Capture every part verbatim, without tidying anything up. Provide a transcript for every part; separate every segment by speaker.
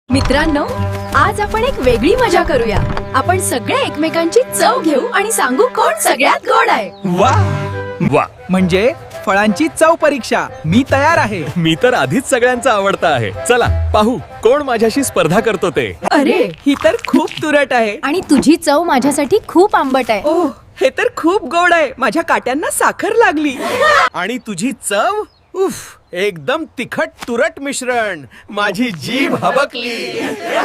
Speaker 1: मित्रांनो, आज आपण एक वेगळी मजा करूया. आपण सगळे एकमेकांची चव घेऊ आणि सांगू कोण सगळ्यात गोड आहे.
Speaker 2: वा वा,
Speaker 3: म्हणजे फळांची चव परीक्षा. मी तयार आहे.
Speaker 2: मी तर आधीच सगळ्यांचा आवडता आहे. चला पाहू कोण माझ्याशी स्पर्धा करतो ते.
Speaker 3: अरे, ही तर खूप तुरट आहे.
Speaker 1: आणि तुझी चव माझ्यासाठी खूप आंबट आहे.
Speaker 3: ओह, हे तर खूप गोड आहे. माझ्या काट्यांना साखर लागली.
Speaker 2: आणि तुझी चव उफ, एकदम तिखट तुरट मिश्रण. माझी जीभ हबकली.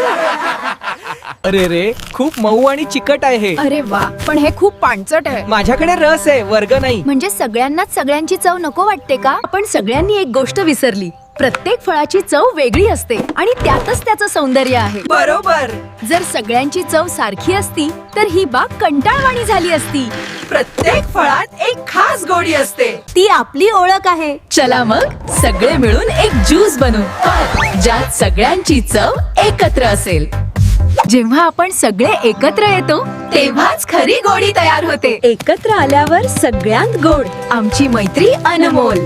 Speaker 3: अरे रे, खूप मऊ आणि चिकट आहे हे.
Speaker 1: अरे वा, पण हे खूप पाणचट आहे.
Speaker 3: माझ्याकडे रस आहे, वर्ग नाही.
Speaker 1: म्हणजे सगळ्यांनाच सगळ्यांची चव नको वाटते का? आपण सगळ्यांनी एक गोष्ट विसरली. प्रत्येक फळाची चव वेगळी असते आणि त्यातच त्याचं सौंदर्य आहे.
Speaker 3: बरोबर.
Speaker 1: जर सगळ्यांची चव सारखी असती तर ही बाग कंटाळवाणी झाली असती.
Speaker 3: प्रत्येक फळात एक खास गोडी असते.
Speaker 1: ती आपली ओळख आहे. चला मग सगळे मिळून एक ज्यूस बनवू ज्यात सगळ्यांची चव एकत्र असेल. जेव्हा आपण सगळे एकत्र येतो तेव्हाच खरी गोडी तयार होते. एकत्र आल्यावर सगळ्यांत गोड आमची मैत्री अनमोल.